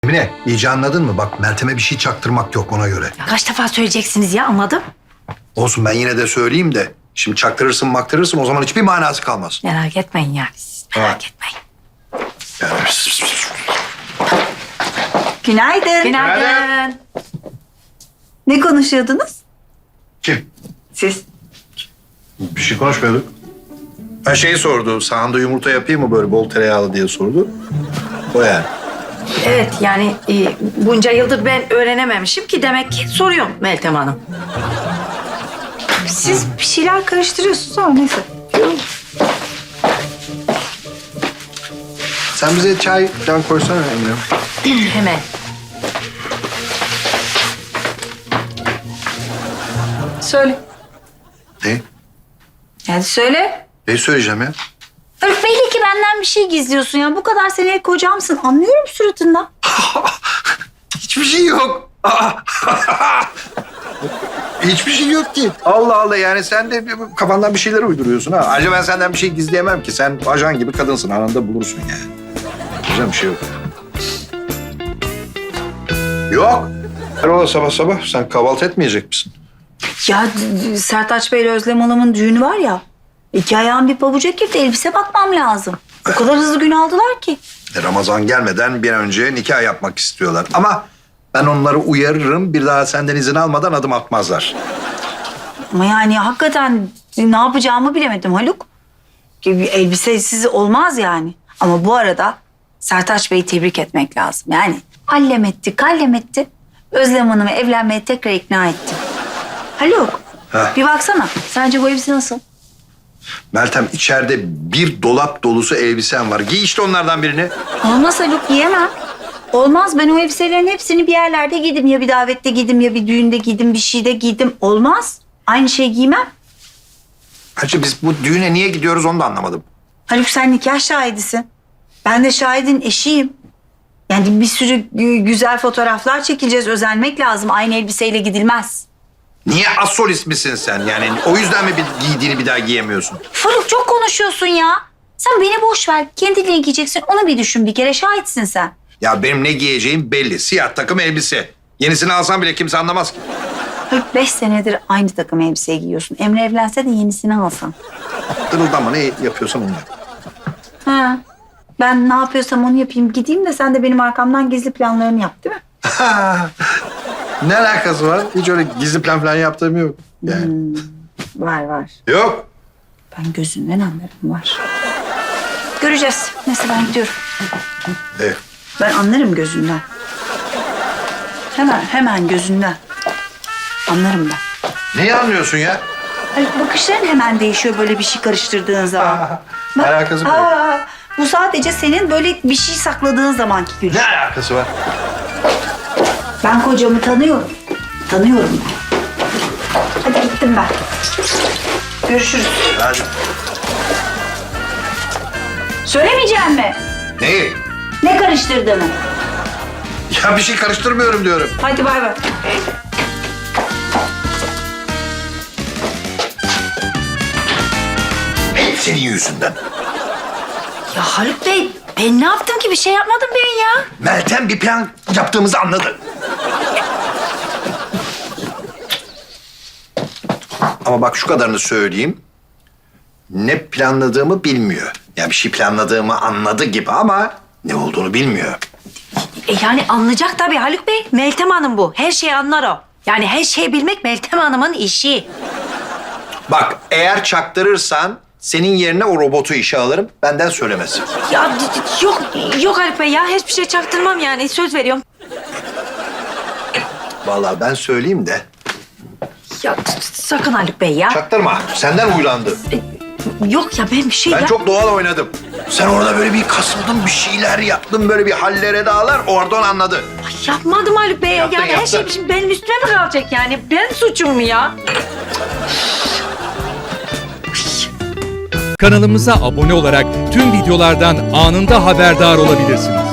Emine, iyice anladın mı? Bak Meltem'e bir şey çaktırmak yok ona göre. Ya kaç defa söyleyeceksiniz ya, anladım. Olsun, ben yine de söyleyeyim de. Şimdi çaktırırsın maktırırsın, o zaman hiçbir manası kalmaz. Merak etmeyin yani siz, merak etmeyin. Yani... Günaydın. Günaydın. Ne konuşuyordunuz? Kim? Siz. Bir şey konuşmuyorduk. Ha şeyi sordu, sahanda yumurta yapayım mı böyle bol tereyağlı diye sordu. O yani. Evet yani bunca yıldır ben öğrenememişim ki demek ki soruyorum Meltem Hanım. Siz bir şeyler karıştırıyorsunuz ama neyse. Sen bize çay falan koysana Emine. Hemen. Söyle. Ne? Yani söyle. Ne söyleyeceğim ya? Öf, belli ki benden bir şey gizliyorsun ya. Bu kadar senelik kocamsın. Anlıyorum suratından. Hiçbir şey yok. Hiçbir şey yok ki. Allah Allah, yani sen de kafandan bir şeyler uyduruyorsun ha. Ayrıca ben senden bir şey gizleyemem ki. Sen ajan gibi kadınsın, anında bulursun yani. Güzel bir şey yok. Yok. Hayrola sabah sabah, sen kahvaltı etmeyecek misin? Ya Sertaç Bey ile Özlem Hanım'ın düğünü var ya. 2 ayağım bir pabuca girdi. Elbise bakmam lazım. O kadar hızlı gün aldılar ki. Ramazan gelmeden bir an önce nikah yapmak istiyorlar. Ama ben onları uyarırım, bir daha senden izin almadan adım atmazlar. Ama yani hakikaten ne yapacağımı bilemedim Haluk. Bir elbisesiz olmaz yani. Ama bu arada Sertaç Bey'i tebrik etmek lazım. Yani allem etti, kallem etti. Özlem Hanım'ı evlenmeye tekrar ikna etti. Haluk, Heh. bir baksana. Sence bu elbise nasıl? Meltem, içeride bir dolap dolusu elbisen var. Giy işte onlardan birini. Olmaz Haluk, giyemem. Olmaz, ben o elbiselerin hepsini bir yerlerde giydim. Ya bir davette giydim, ya bir düğünde giydim, bir şeyde giydim. Olmaz. Aynı şeyi giymem. Hacı, biz bu düğüne niye gidiyoruz onu da anlamadım. Haluk, sen nikah şahidisin. Ben de şahidin eşiyim. Yani bir sürü güzel fotoğraflar çekileceğiz. Özenmek lazım. Aynı elbiseyle gidilmez. Niye asolist misin sen? Yani o yüzden mi bir giydiğini bir daha giyemiyorsun? Haluk, çok konuşuyorsun ya. Sen beni boş ver. Kendine giyeceksin. Onu bir düşün bir kere. Şahitsin sen. Ya benim ne giyeceğim belli. Siyah takım elbise. Yenisini alsam bile kimse anlamaz ki. Haluk, 5 senedir aynı takım elbise giyiyorsun. Emre evlense de yenisini alsan. Dırıldama, ne yapıyorsan onu yap. Ha. Ben ne yapıyorsam onu yapayım. Gideyim de sen de benim arkamdan gizli planlarını yap, değil mi? Ne alakası var? Hiç öyle gizli plan falan yaptığım yok. Yani. Var. Yok. Ben gözünden anlarım, var. Göreceğiz. Neyse, ben gidiyorum. Evet. Ben anlarım gözünden. Hemen gözünden. Anlarım ben. Neyi anlıyorsun ya? Hani bakışların hemen değişiyor böyle bir şey karıştırdığın zaman. Bak, Alakası mı yok? bu sadece senin böyle bir şey sakladığın zamanki gülüş. Ne alakası var? Ben kocamı tanıyorum. Tanıyorum ben. Hadi gittim ben. Görüşürüz. Hadi. Söylemeyeceğim mi? Neyi? Ne karıştırdığını? Ya bir şey karıştırmıyorum diyorum. Hadi bay bay. Hep senin yüzünden. Ya Haluk Bey, ben ne yaptım ki? Bir şey yapmadım ben ya. Meltem bir plan yaptığımızı anladı. Ama bak şu kadarını söyleyeyim. Ne planladığımı bilmiyor. Yani bir şey planladığımı anladı gibi ama ne olduğunu bilmiyor. Yani anlayacak tabii Haluk Bey. Meltem Hanım bu. Her şeyi anlar o. Yani her şeyi bilmek Meltem Hanım'ın işi. Bak eğer çaktırırsan senin yerine o robotu işe alırım. Benden söylemesin. Ya yok Haluk Bey ya. Hiçbir şey çaktırmam yani. Söz veriyorum. Vallahi ben söyleyeyim de. Ya sakın Haluk Bey ya. Çaktırma. Senden huylandı. Yok ya, ben bir şey Ben çok doğal oynadım. Sen orada böyle bir kasıldın, bir şeyler yaptın, böyle bir hallere dağlar. Oradan anladı. Ay, yapmadım Haluk Bey. Yaptın, Yani her yaptın. şey şimdi benim üstüme mi kalacak yani? Ben suçum mu ya? Kanalımıza abone olarak tüm videolardan anında haberdar olabilirsiniz.